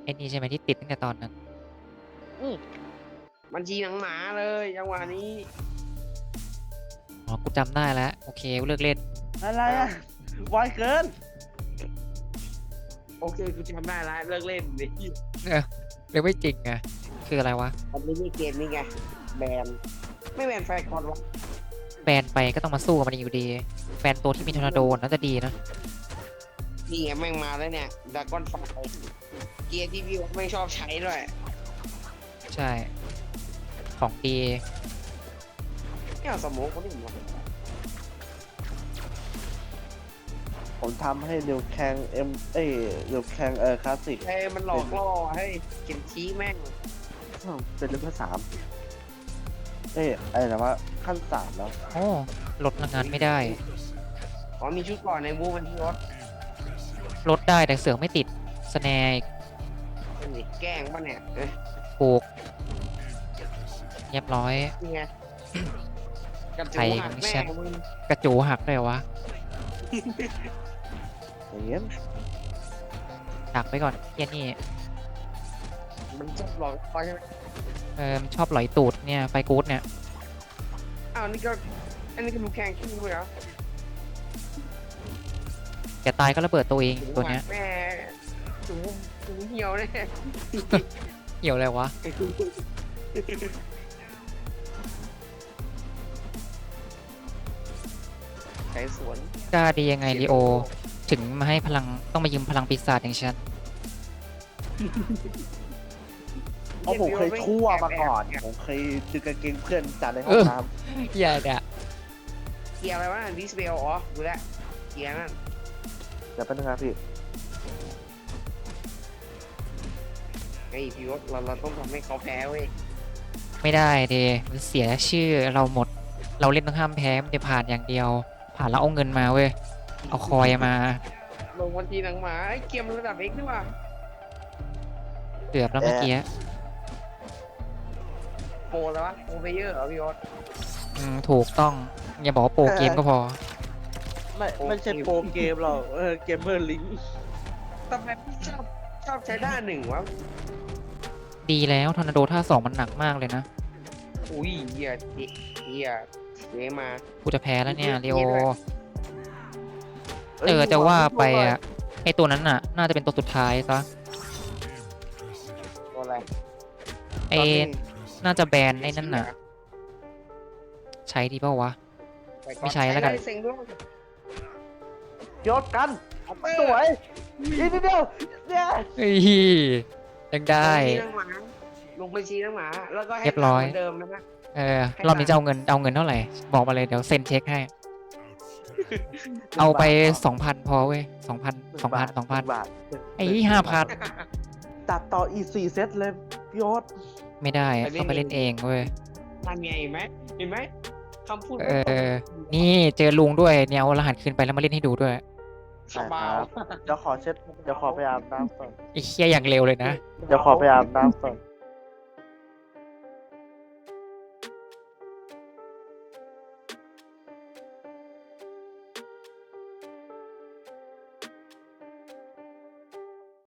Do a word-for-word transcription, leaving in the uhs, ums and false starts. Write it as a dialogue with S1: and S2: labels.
S1: อ้นี่ใช่ไหมที่ติดตั้งแต่ตอนนั้น
S2: อืมบัญชีหนังหมาเลยจังหวะนี้
S1: อ๋อ กูจำได้แล้ว โอเคกูเลิกเล่น
S3: อะไรอ่ะไวเกิน
S2: โอเคกูจำได้แล้วเลิกเล่นดิ
S1: เออเรียกไม่จริงไงคืออะไรวะ
S2: มันไม่ใช่เกมนี่ไงแบนไม่แบนแฟร์คอนวะ
S1: แบนไปก็ต้องมาสู้กับมันอยู่ดี แบนตัวที่มีทอร์นาโดน่าจะดีนะ
S2: นี่ไงแม่งมาแล้วเนี่ยดากอนไฟเกียร์ที่พี่ไม่ชอบใช้ด้วย
S1: ใช่ ของดี
S2: เนี่ยสมองคนอื่นวะ
S3: ผมทำให้เร็วแข่งเอ็มเอ้ยเร็วแข่งเออคลาสสิก
S2: เอ้ยมันหลอกล่อให้เข็นชี้แม่ง
S3: เป็นเลเวลสามเอ้ยอะไรนะว่าขั้นสามแล้ว
S1: โอ้ลดพลังงานไม่ได้
S2: อ๋อมีชุดก่อนในบูมันที่รถ
S1: ลดได้แต่เสือกไม่ติดสแนร์
S2: เป็นสิแกล้งป่ะเนี่ยเอ้ย
S1: ปลูกเรียบร้อย
S2: นี่ไงกระ
S1: ใคร
S2: จูหัก
S1: ไม่
S2: แม่
S1: ใช่
S2: มึง
S1: กระจูหักเลยวะ
S3: อย่างเงี้ย
S1: ดักไปก่อนเฮียนี่
S2: มันชอบหลอกล่อใช่ไหม
S1: เออมันชอบหลอยตูดเนี่ยไฟกู๊ดเนี่ย
S2: อ้าวนี่ก็อันนี้ก็ดูแข่งขี้ด้วยเหรอ
S1: แกตายก็ระเบิดตัวเองตัวเนี้ย
S2: แม่จูจูเหี่ยวแน่
S1: เกี่ยวอะไรวะ
S2: ไก่สวน
S1: กล้าดียังไงลีโอ ถึงมาให้พลังต้องมายืมพลังปีศาจอย่างฉัน
S3: เพราะผมเคยชั่วมาก่อน ผมเคยดึงกางเกงเพื่อนจัดในห้องน้
S1: อย่าด่า
S2: เกียร์อะไรวะดิสเบลอ๋อดูแลวเกียร์นั่น
S3: ำเดี๋ยวเป็นงนะพี่
S2: ไอ้พี่วศเราเราต้องทำให้เขาแพ้เว้ย
S1: ไม่ได้เดมันเสียชื่อเราหมด เราเล่นต้องห้ามแพ้มันจะผ่านอย่างเดียว ผ่านแล้วเอาเงินมาเว้ย เอาคอยมา
S2: ลงวันทีหนังหมาไอ้เกมระดับเอ็กซ์นี่ว่ะ
S1: เกือบแล้วเมื่อกี้
S2: โปรแล้ววะโปรเพเยอร์เหรอพี่วศ
S1: อืมถูกต้อง อย่าบอกว่าโปรเกมก็พอ
S3: ไม่ไม่ใช่โปรเกมหรอกเออเกมเมอร์ลิง
S2: ทำไมพี่ชอบชอบใช้ด้านหนึ่งวะ
S1: ดีแล้วทอร์นาโดท่าสองมันหนักมากเลยนะ
S2: อุ้ยเหี้ยเหี้ยเหี้ยมา
S1: กูจะแพ้แล้วเนี่ยลีโอ เออจะว่าไปอะไอตัวนั้นน่ะ น่าจะเป็นตัวสุดท้ายซะ
S2: ตัวอะไร
S1: ไอน่าจะแบนไอ้นั่นน่ะ ใช้ดีเปล่าวะ ไม่ใช้แล้วกัน
S2: เซ็งด้วย
S3: ยศกัน สวยอีกนิดเดียวเนี่ย
S1: เฮ้ยยังได้
S2: ลงบัญชีน้องหมาแล้วก็ให้
S1: เรียบร้อย
S2: เหมือนเดิมนะ
S1: เออรอบนี้จะเอาเงินเอาเงินเท่าไหร่ บอกมาเลยเดี๋ยวเซ็นเช็คให้ เอาไปสองพันพอเว้ยสองพันสองพันสองพัน
S3: บาท
S1: ไอ้ห้าพัน
S3: ตัดต่ออีสี่เซตเลยยศ
S1: ไม่ได้ต้องไปเล่นเองเว้ย
S2: นั่นไงเห็นไหมเห็นไหมคำพูด
S1: เออ นี่เจอลุงด้วยเนี่ยเอารหัสคืนไปแล้วมาเล่นให้ดูด้วย
S2: สบาย
S3: เดี๋ยวขอเช็ดเดี๋ยวขอไปอาบน้ำก่อน
S1: ไอ้เคี้ยอย่างเร็วเลยนะ
S3: เดี๋ยวขอไปอาบน้ำก่อน